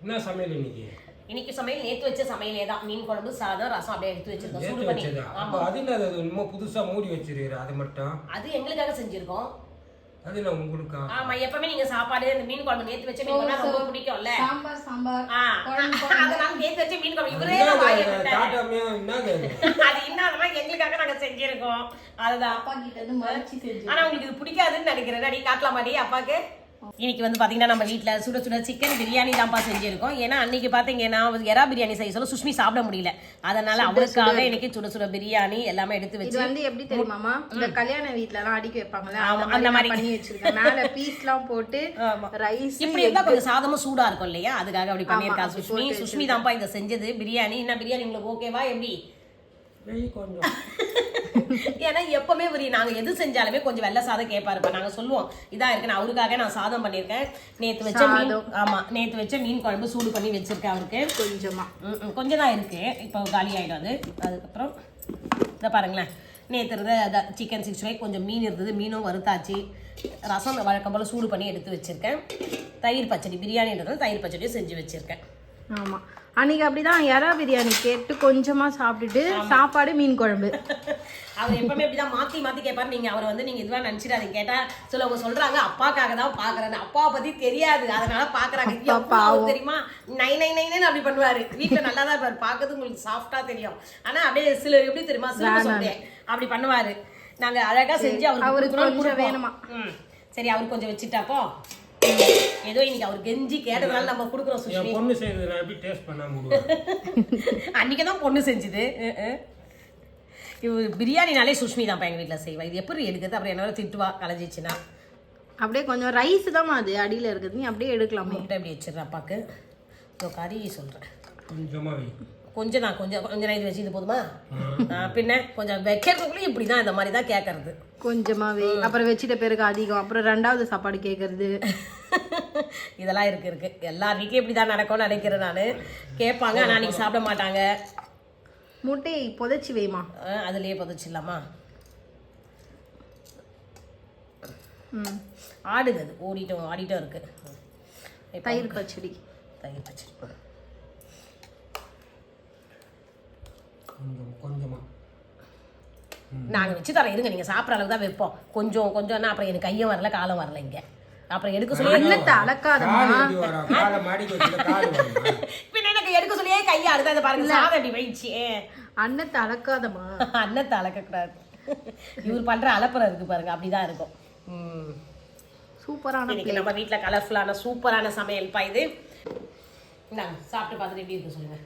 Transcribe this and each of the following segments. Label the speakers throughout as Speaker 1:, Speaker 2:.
Speaker 1: என்ன சமையல் இன்னைக்கு?
Speaker 2: இன்னைக்கு சமையல் நேத்து வச்ச சமையலே தான். மீன் குழம்பு, சாதம், ரசம் அப்படியே எடுத்து வச்சிருக்கோம். சூடு பண்ணி.
Speaker 1: அப்ப அது என்ன அது இன்னும் புதுசா மூடி வச்சிருக்கீங்க அது மட்டும்?
Speaker 2: அது எங்களுக்காக செஞ்சிருக்கோம்.
Speaker 1: அது என்ன உங்களுக்கா?
Speaker 2: ஆமா, எப்பவுமே நீங்க சாப்பாடு இந்த மீன் குழம்பு நேத்து வச்ச மீன் குழம்பு ரொம்ப பிடிக்கும்ல.
Speaker 3: சாம்பார்
Speaker 2: அதனால நேத்து வச்ச மீன் குழம்பு இவரே தான் வாங்கி விட்டாரு.
Speaker 1: டாடாமே என்னது
Speaker 2: அது என்னன்னா எங்களுக்காக நாங்க செஞ்சிருக்கோம். அதுதான்
Speaker 3: அப்பா கிட்ட இருந்து மறைச்சி செஞ்சு.
Speaker 2: ஆனா உங்களுக்கு இது பிடிக்காதுன்னு நினைக்கிறேன். நீ காட்டலாமாடி அப்பாக்கு? இன்னைக்கு வந்து பாத்தீங்கன்னா நம்ம வீட்டுல சுட சுட சிக்கன் பிரியாணி தான்ப்பா செஞ்சிருக்கோம். ஏன்னா அன்னைக்கு பாத்தீங்கன்னா எறா பிரியாணி செய்ய சொல்ல சுஷ்மி சாப்பிட முடியல. அதனால அவருக்காக இன்னைக்கு சுட சுட பிரியாணி எல்லாமே எடுத்து வச்சு.
Speaker 3: இது வந்து எப்படி தெரியுமாமா, இந்த கல்யாண வீட்ல எல்லாம் அடிக்க வைப்பாங்கல்ல, அந்த மாதிரி பண்ணி வச்சிருக்கேன். மேல பீஸ் எல்லாம் போட்டு ரைஸ்
Speaker 2: இப்படி இருந்தா கொஞ்சம் சாதமும் சூடா இருக்கும் இல்லையா, அதுக்காக அப்படி பண்ணிருக்கா சுஷ்மி. சுஷ்மி தான்ப்பா இதை செஞ்சது பிரியாணி. என்ன பிரியாணி உங்களுக்கு ஓகேவா? எப்படி
Speaker 1: கொஞ்சம்
Speaker 2: ஏன்னா எப்பவுமே நாங்க எது செஞ்சாலுமே கொஞ்சம் வெள்ளை சாதம் கேட்பாருப்பா. நாங்க சொல்லுவோம் இதா இருக்குன்னு. அவருக்காக நான் சாதம் பண்ணிருக்கேன். நேத்து வச்ச மீன், ஆமா நேத்து வச்ச மீன் குழம்பு சூடு பண்ணி வச்சிருக்கேன். அவருக்கு
Speaker 3: கொஞ்சமா
Speaker 2: கொஞ்சம் தான் இருக்கு, இப்போ காலி ஆயிடும் அது. அதுக்கப்புறம் இதை பாருங்களேன், நேற்று இருந்த சிக்கன் 65 கொஞ்சம் மீன் இருந்தது, மீனும் வறுத்தாச்சு. ரசம் வழக்கம் போல் சூடு பண்ணி எடுத்து வச்சிருக்கேன். தயிர் பச்சடி, பிரியாணின்றது தயிர் பச்சடியும் செஞ்சு வச்சிருக்கேன்.
Speaker 3: ஆமா, அன்னைக்கு அப்படிதான் எறா பிரியாணி கேட்டு கொஞ்சமா சாப்பிட்டுட்டு சாப்பாடு மீன் குழம்பு.
Speaker 2: அவர் எப்பவுமே இப்படிதான் மாத்தி மாத்தி கேட்பாரு. நீங்க அவர் வந்து நீங்க இதுவா நினைச்சிடாதீங்க. கேட்டா அவங்க சொல்றாங்க அப்பாக்காக தான் பாக்குறேன்னு. அப்பாவை பத்தி தெரியாது, அதனால பாக்குறாங்க. தெரியுமா, நை நை நைன்னு அப்படி பண்ணுவாரு. வீட்டுல நல்லா தான் இருப்பாரு, பாக்குறது உங்களுக்கு சாஃப்டா தெரியும். ஆனா அப்படியே சில எப்படி தெரியுமா, சில சொல்றேன் அப்படி பண்ணுவாரு. நாங்க அழகா செஞ்சு அவருக்கு
Speaker 3: வேணுமா.
Speaker 2: சரி, அவருக்கு கொஞ்சம் வச்சுட்டாப்போ ஏதோ இன்னைக்கு அவர் கெஞ்சி கேட்டதுனால நம்ம கொடுக்குறோம். சுஷ்மி
Speaker 1: பொண்ணு செய்தது நான் எப்படி டேஸ்ட் பண்ணாம
Speaker 2: அன்னைக்கு தான் பொண்ணு செஞ்சுது. பிரியாணினாலே சுஷ்மி தான் எங்கள் வீட்டில் செய்வா. இது எப்படி எடுக்கிறது? அப்புறம் என்ன திட்டுவா கலைஞ்சிச்சுன்னா.
Speaker 3: அப்படியே கொஞ்சம் ரைஸ் தான் அது அடியில் இருக்குது, நீ அப்படியே எடுக்கலாம்.
Speaker 2: முட்டை அப்படி வச்சிடுறேன் அப்பாவுக்கு. கறி சொல்கிறேன்
Speaker 1: கொஞ்சமா
Speaker 2: கொஞ்சம் தான், கொஞ்சம் நேரம் இது வச்சு இது போதுமா? பின்ன கொஞ்சம் வைக்கிறதுக்குள்ளே இப்படி தான், இந்த மாதிரி தான் கேட்கறது.
Speaker 3: கொஞ்சமாவே அப்புறம் வச்சுட்ட பேருக்கு அதிகம், அப்புறம் ரெண்டாவது சாப்பாடு கேட்கறது.
Speaker 2: இதெல்லாம் இருக்கு எல்லார் வீட்லையும் இப்படி தான் நடக்கும்னு நினைக்கிறேன் நான். கேட்பாங்க, ஆனால் அன்றைக்கி சாப்பிட மாட்டாங்க.
Speaker 3: முட்டையை புதைச்சி வைமா,
Speaker 2: அதுலேயே புதைச்சிடலாமா? ஆடுது, அது ஆடிட்டும் இருக்கு.
Speaker 3: தயிர் பச்சடி
Speaker 1: கொஞ்சமா
Speaker 2: நாங்கள் வச்சு தரோம். இருங்க, நீங்கள் சாப்பிட்ற அளவுக்கு தான் வைப்போம். கொஞ்சம்னா அப்புறம் எனக்கு கையும் வரல காலம் வரல. இங்கே அப்புறம் எடுக்க சொல்லி
Speaker 3: அன்னத்தை அளக்காதமா,
Speaker 2: பின்ன எனக்கு எடுக்க சொல்லியே கையை அழுதா. அதை பாருங்க, சாதம் அப்படி வயிச்சு.
Speaker 3: அன்னத்தை அளக்காதமா,
Speaker 2: அன்னத்தை அளக்கக்கூடாது. இவர் பண்ணுற அலப்பறம் இருக்கு பாருங்க, அப்படிதான் இருக்கும்.
Speaker 3: சூப்பரான
Speaker 2: இன்னைக்கு நம்ம வீட்டில் கலர்ஃபுல்லான சூப்பரான சமையல் பா இது. இந்தாங்க, சாப்பிட்டு பார்த்துட்டு எப்படி இருக்கு சொல்லுங்க.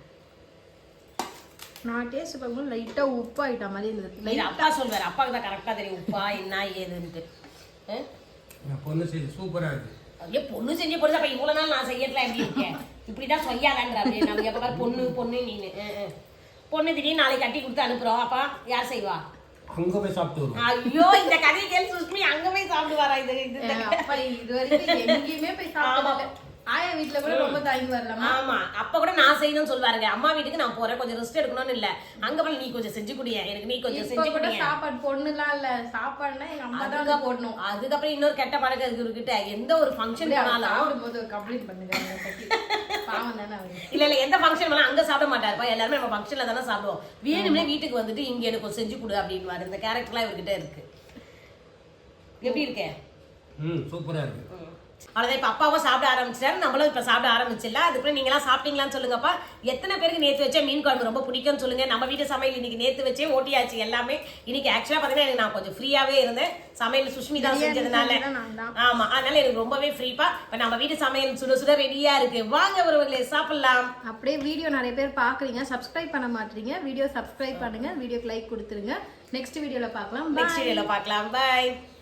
Speaker 3: நான் டேஸ்ட் பார்க்கும்போது லைட்டாக உப்பு ஆகிட்ட மாதிரி இருந்தது.
Speaker 2: அப்பா சொல்வார், அப்பாவுக்கு தான் கரெக்டாக தெரியும் உப்பா என்ன ஏதுன்ட்டு.
Speaker 1: பொண்ணு செய்து சூப்பராக இருக்கு.
Speaker 2: ஐயோ, பொண்ணு செஞ்சு பொண்ணு அப்போ இவ்வளோ நாள் நான் செய்யறதுலாம் எப்படி இருக்கேன்? இப்படி தான் சொய்யாதான்ற. அப்படி நம்ம எப்போ பொண்ணு நீனு பொண்ணு திடீர்னு நாளைக்கு கட்டி கொடுத்து அனுப்புகிறோம். அப்பா யார் செய்வா?
Speaker 1: அங்க போய் சாப்பிட்டு.
Speaker 2: ஐயோ, இந்த கதையை கேள்வி சுஷ்மி அங்க போய் சாப்பிடுவாரா?
Speaker 3: இது வரைக்கும் எங்கேயுமே போய் சாப்பிடல. ஆயா வீட்டுல கூட ரொம்ப தயங்கி வரலாம்.
Speaker 2: ஆமா, அப்ப கூட நான் செய்யணும்னு சொல்வாருங்க. அம்மா வீட்டுக்கு நான் போறேன், கொஞ்சம் ரெஸ்ட் எடுக்கணும்னு இல்ல, அங்க போய் நீ கொஞ்சம் செஞ்சு குடிய, எனக்கு நீ கொஞ்சம் செஞ்சு குடிய.
Speaker 3: சாப்பாடு பொண்ணுலாம் இல்ல, சாப்பாடுனா எங்க அம்மா தான் போடணும்.
Speaker 2: அதுக்கப்புறம் இன்னொரு கெட்ட பழக்கம் இருக்குகிட்ட, எந்த ஒரு ஃபங்க்ஷன் போனாலும்
Speaker 3: சாப்பிடும்போது கம்ப்ளைண்ட் பண்ணுங்க. பாவம் தானே அவரு.
Speaker 2: இல்ல எந்த ஃபங்க்ஷன் போனா அங்க சாப்பிட மாட்டாருப்பா. எல்லாருமே நம்ம ஃபங்க்ஷன்ல தானே சாப்பிடுவோம். வேணும்னே வீட்டுக்கு வந்துட்டு இங்க எனக்கு செஞ்சு கொடு அப்படின்னு. இந்த கேரக்டர்லாம் இவர்கிட்ட இருக்கு. எப்படி இருக்கே?
Speaker 1: சூப்பரா இருக்கு.
Speaker 2: அவ்வளோதான். இப்போ அப்பாவும் சாப்பிட ஆரம்பிச்சிட்டாரு, நம்மளும் இப்போ சாப்பிட ஆரம்பிச்சிடல. அதுக்கப்புறம் நீங்களாம் சாப்பிட்டீங்களான்னு சொல்லுங்கப்பா. எத்தனை பேருக்கு நேற்று வச்ச மீன் குழம்பு ரொம்ப பிடிக்கும்னு சொல்லுங்க. நம்ம வீட்டு சமையல் இன்னைக்கு நேற்று வச்சே ஓட்டியாச்சு எல்லாமே. இன்னைக்கு ஆக்சுவலாக பார்த்தீங்கன்னா எனக்கு நான் கொஞ்சம் ஃப்ரீயாகவே இருந்தேன். சமையல் சுஷ்மி தான் செஞ்சதுனால. ஆமாம், அதனால எனக்கு ரொம்பவே ஃப்ரீப்பா. இப்போ நம்ம வீட்டு சமையல் சுட சுட ரெடியா இருக்கு. வாங்க ஒருவர்களே சாப்பிடலாம்.
Speaker 3: அப்படியே வீடியோ நிறைய பேர் பார்க்குறீங்க, சப்ஸ்கிரைப் பண்ண மாட்டீங்க. வீடியோ சப்ஸ்கிரைப் பண்ணுங்க, வீடியோக்கு லைக் கொடுத்துருங்க. நெக்ஸ்ட் வீடியோவில் பார்க்கலாம்.
Speaker 2: பாய்.